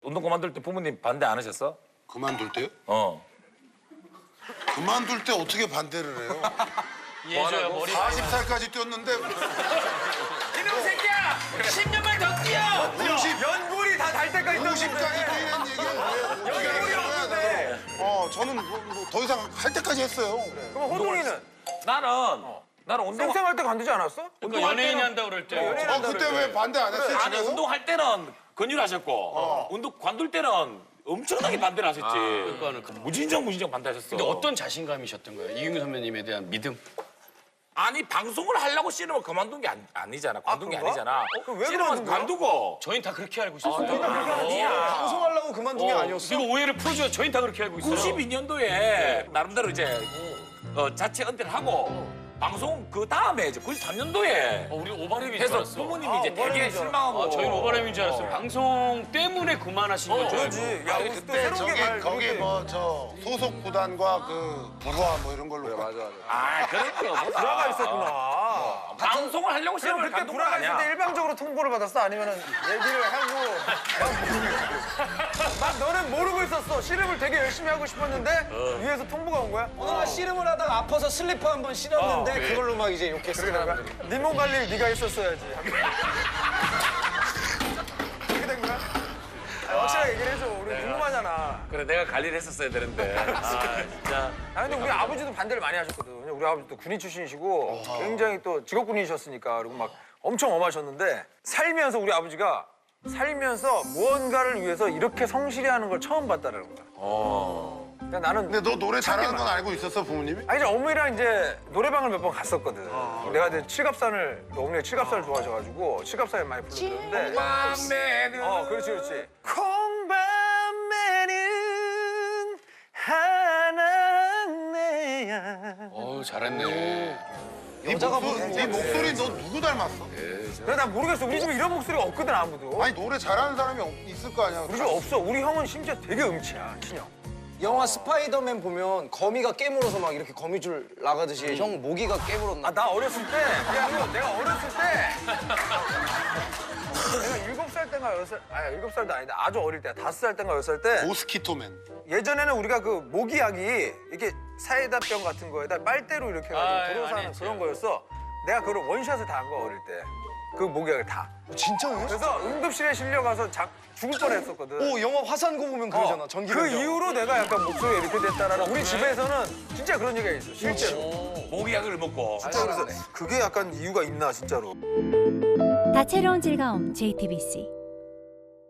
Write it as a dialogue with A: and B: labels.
A: 운동 그만둘 때 부모님 반대 안 하셨어?
B: 그만둘 때요?
A: 어.
B: 그만둘 때 어떻게 반대를 해요?
C: 예줘야 머리
B: 40살까지 뛰었는데
D: 이놈 새끼야! 10년만 더 뛰어!
B: 50,
E: 연골이 다 달 때까지
B: 50까지 뛰는 얘기는 왜 어떻게 하는 거야? 저는 더 이상 할 때까지 했어요.
E: 그럼 호동이는
A: 나는 운동
E: 쌩쌩할 때 관두지 않았어?
C: 그러니까 연예인이 한다고 그럴 때
B: 그때 왜 반대 안 했어요?
A: 아니
B: 집에서?
A: 운동할 때는 권유하셨고 운동 관둘 때는 엄청나게 반대를 하셨지.
C: 그러니까는
A: 무진정 반대하셨어.
C: 근데 어떤 자신감이셨던 거예요? 이경규 선배님에 대한 믿음?
A: 아니 방송을 하려고 씨름을 그만둔 게 아니잖아. 관둔 게
E: 그런가?
A: 아니잖아.
E: 그럼 왜
A: 씨름은
E: 그만둔 거야?
A: 관두고.
C: 저희는 다 그렇게 알고 있었어요.
A: 아니야.
E: 방송하려고 그만둔 게 아니었어?
C: 이거 오해를 풀어줘야 저희는 다 그렇게 알고 있어요.
A: 92년도에 나름대로 이제 자체 은퇴를 하고 방송 그 다음에 이제 93년도에
C: 우리 오바랩인 줄
A: 해서
C: 알았어.
A: 부모님이 이제
E: 오바랩인
A: 되게
E: 줄
A: 실망하고.
C: 저희는 오바랩인 줄 알았어요. 방송 때문에 그만하신 거죠.
E: 그러지. 야,
B: 아니
E: 또
B: 그때
E: 새로운 게
B: 저기
E: 말.
B: 거기 뭐 저 소속 구단과 그 부하 뭐 이런 걸로 맞아.
A: 아 그런 거 없다.
E: 불화가 있었구나.
A: 방송을 하려고
E: 그럼
A: 씨름을
E: 그때
A: 관둔 건
E: 불화가 있을 때
A: 아니야.
E: 일방적으로 통보를 받았어? 아니면은 얘기를 하고 막 너는 모르고 있었어. 씨름을 되게 열심히 하고 싶었는데 위에서 통보가 온 거야?
F: 오늘 씨름을 하다가 아파서 슬리퍼 한 번 신었는데
E: 네.
F: 그걸로 막 이제 욕했어.
E: 네 몸 관리를 네가 했었어야지. 그렇게 된 거야? 확실하게 얘기를 해줘. 우리 궁금하잖아.
A: 그래 내가 관리를 했었어야 되는데. 아 진짜.
E: 근데 우리 아버지도 반대를 많이 하셨거든. 왜냐면 우리 아버지도 군인 출신이시고 굉장히 또 직업군인이셨으니까 그리고 막 엄청 엄하셨는데 살면서 우리 아버지가 살면서 무언가를 위해서 이렇게 성실히 하는 걸 처음 봤다라는 거야. 그러니까 나는
B: 근데 너 노래 잘하는 건 알고 있었어 부모님이?
E: 아니 이제 어머니랑 이제 노래방을 몇 번 갔었거든. 내가 이제 칠갑산을 어머니가 칠갑산을 좋아하셔가지고 칠갑산을 많이 부르는데.
A: 맘에는.
E: 그렇지. 콩밤에는 하나네야.
C: 잘했네.
B: 네 목소리 너 누구 닮았어?
E: 그래 나 모르겠어. 우리 집에 이런 목소리가 없거든 아무도.
B: 아니 노래 잘하는 사람이 있을 거 아니야.
E: 우리 집에 없어. 우리 형은 심지어 되게 음치야, 친형.
F: 영화 스파이더맨 보면 거미가 깨물어서 막 이렇게 거미줄 나가듯이 형 모기가 깨물었나?
E: 아, 나 어렸을 때, 내가 어렸을 때, 내가 7살 때인가 6살, 아니 7살도 아니다. 아주 어릴 때, 5살 때인가 6살 때,
B: 모스키토맨.
E: 예전에는 우리가 그 모기약이 이렇게 사이다병 같은 거에다 빨대로 이렇게 해가지고 들어서
C: 많이
E: 하는
C: 했지.
E: 그런 거였어. 내가 그걸 원샷을 다 한 거야, 어릴 때. 그 모기약을 다.
F: 진짜요?
E: 그래서 응급실에 실려가서 죽을 뻔했었거든.
F: 오 영화 화산고 보면 그러잖아. 전기
E: 그 이후로 내가 약간 목소리가 이렇게 됐다라는 우리 집에서는 진짜 그런 얘기가 있어, 실제로.
A: 모기약을 먹고.
E: 진짜 그래서 그게 약간 이유가 있나, 진짜로.
G: 다채로운 즐거움 JTBC